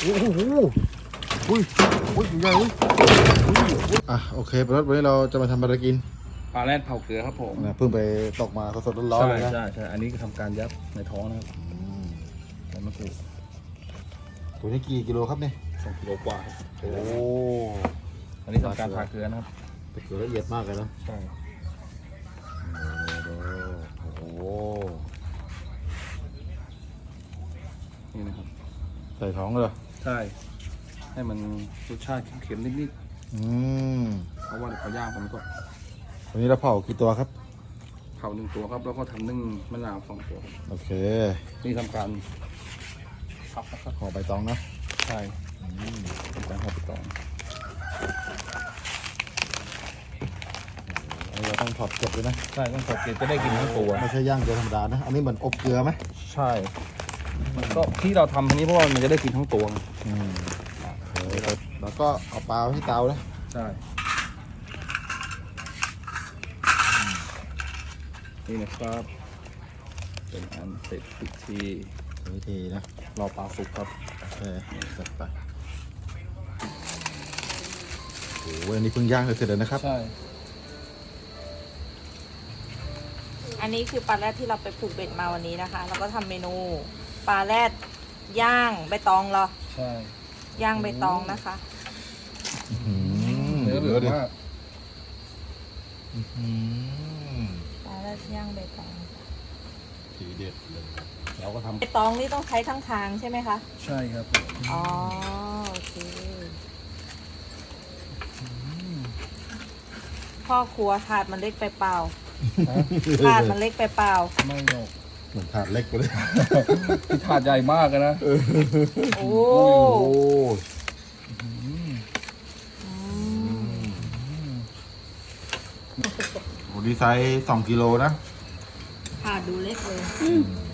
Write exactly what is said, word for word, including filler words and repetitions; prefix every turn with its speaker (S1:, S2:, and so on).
S1: โอ้โหอุ้ยอุ้ยใหญ่อุ้ยอ่ะโอเคปรถวันนี้เราจะมาทำอะไรกิน
S2: ปลาแรดเผาเกลือครับผม
S1: เพิ่งไปตกมาสดๆร้อนๆเลยนะ
S2: ใช่ใช่อันนี้ทำการยับในท้องนะครับใบมะกรูด
S1: ตัวนี้กี่กิโลครับเนี่ย
S2: สองกิโลกว่า
S1: โอ้
S2: อันนี้ทำการผ่าเกลือนะครับ
S1: เกลือละเอียดมากเลยนะ
S2: ใช่
S1: โอ้
S2: นี่นะครับ
S1: ใส่ท้องเลย
S2: ใช่ให้มันรสชาติเค็มๆนิด
S1: ๆอืม
S2: เพราะว่าเดี๋ยวเขาย่างผมก็
S1: วันนี้เราเผากี่ตัวครับ
S2: เผาหนึ่งตัวครับแล้วก็ทำนึ่งมะนาวสองตัว
S1: โอเค
S2: นี่ทำการพับนะครับ
S1: ห่อใบตองนะ
S2: ใช่ทำการห่อใบตอง
S1: เราต้องถอดเกล็ดด้วยนะ
S2: ใช่ต้องถอดเกล็ดจะได้กินทั้งตัว
S1: ไม่ใช่ย่างเกลือธรรมดานะอันนี้เหมือนอบเกลือไหม
S2: ใช่มันก็ที่เราทำทีนี้เพราะว่ามันจะได้กินทั้งตัว
S1: อืมแล้วก็เอาปลาที่เตาเลย
S2: ใช่นี่นะครับเป็นอันเสร็จพิธี
S1: วิธีนะ
S2: รอปลาสุกครับ
S1: โอเคจัดไปโอ้โหอันนี้เพิ่งย่างเลยเสร็จแล้วนะครับ
S2: ใช่
S3: อันนี้คือปลาแรดที่เราไปผูกเบ็ดมาวันนี้นะคะแล้วก็ทำเมนูปลาแรดย่างใบตองเหรอ
S2: ใช่
S3: ย่างใบตองนะคะ
S2: เนื้อเหลืองมาก
S3: ปลาแรดย่างใบตอง
S1: ทีเด็ดเลย
S2: เราก็ทำ
S3: ใบตองนี่ต้องใช้ทั้งทางใช่ไหมคะ
S2: ใช่ครับ
S3: อ๋อโอเคพ่อครัวถาดมันเล็กไปเปล่าถาดมันเล็กไปเปล่า
S2: ไม่หรอก
S1: เหมือนถาดเล็กไปเลย
S2: ที่ถาดใหญ่มากนะ
S3: โอ้
S1: โหดีไซน์สองกิโลนะ
S3: ถาดดูเล็กเลย